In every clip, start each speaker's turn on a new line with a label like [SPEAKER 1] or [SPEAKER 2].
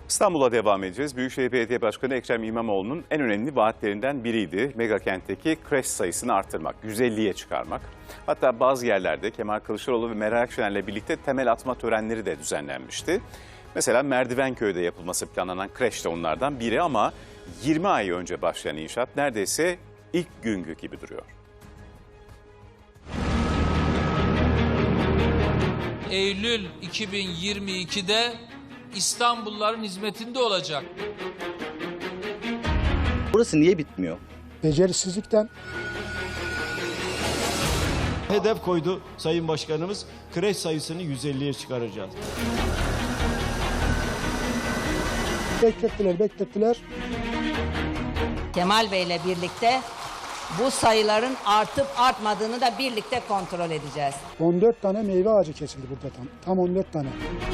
[SPEAKER 1] İstanbul'a devam edeceğiz. Büyükşehir Belediye Başkanı Ekrem İmamoğlu'nun en önemli vaatlerinden biriydi. Megakentteki kreş sayısını artırmak, 150'ye çıkarmak. Hatta bazı yerlerde Kemal Kılıçdaroğlu ve Meral Akşener'le birlikte temel atma törenleri de düzenlenmişti. Mesela Merdivenköy'de yapılması planlanan kreş de onlardan biri ama 20 ay önce başlayan inşaat neredeyse ilk günkü gibi duruyor.
[SPEAKER 2] Eylül 2022'de İstanbulluların hizmetinde olacak.
[SPEAKER 3] Burası niye bitmiyor?
[SPEAKER 4] Becerisizlikten.
[SPEAKER 5] Hedef koydu Sayın Başkanımız, kreş sayısını 150'ye çıkaracağız.
[SPEAKER 4] Beklettiler.
[SPEAKER 6] Kemal Bey'le birlikte bu sayıların artıp artmadığını da birlikte kontrol edeceğiz.
[SPEAKER 4] 14 tane meyve ağacı kesildi burada tam 14 tane.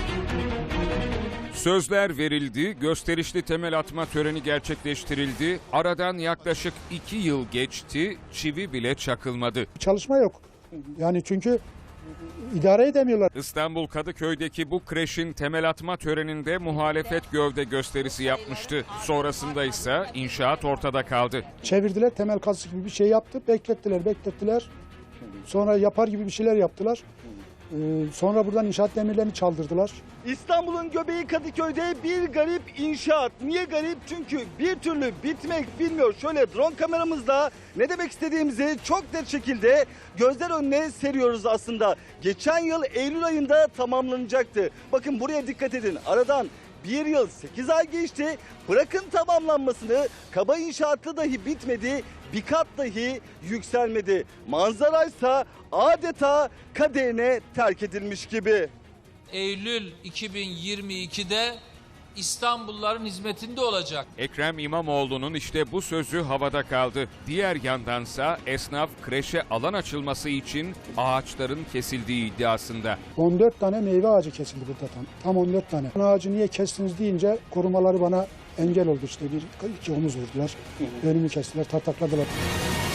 [SPEAKER 7] Sözler verildi, gösterişli temel atma töreni gerçekleştirildi. Aradan yaklaşık 2 yıl geçti, çivi bile çakılmadı.
[SPEAKER 4] Çalışma yok. Yani çünkü idare edemiyorlar.
[SPEAKER 7] İstanbul Kadıköy'deki bu kreşin temel atma töreninde muhalefet gövde gösterisi yapmıştı. Sonrasında ise inşaat ortada kaldı.
[SPEAKER 4] Çevirdiler, temel kazısı gibi bir şey yaptı. Beklettiler. Sonra yapar gibi bir şeyler yaptılar. Sonra buradan inşaat demirlerini çaldırdılar.
[SPEAKER 8] İstanbul'un göbeği Kadıköy'de bir garip inşaat. Niye garip? Çünkü bir türlü bitmek bilmiyor. Şöyle drone kameramızla ne demek istediğimizi çok net şekilde gözler önüne seriyoruz aslında. Geçen yıl Eylül ayında tamamlanacaktı. Bakın buraya dikkat edin. Aradan 1 yıl 8 ay geçti. Bırakın tamamlanmasını, kaba inşaatı dahi bitmedi. Bir kat dahi yükselmedi. Manzaraysa adeta kaderine terk edilmiş gibi.
[SPEAKER 2] Eylül 2022'de İstanbulluların hizmetinde olacak.
[SPEAKER 7] Ekrem İmamoğlu'nun işte bu sözü havada kaldı. Diğer yandansa esnaf kreşe alan açılması için ağaçların kesildiği iddiasında.
[SPEAKER 4] 14 tane meyve ağacı kesildi burada tam 14 tane. Ağacı niye kestiniz deyince korumaları bana engel oldu işte. Bir iki omuz vurdular. Önümü kestiler, tartakladılar.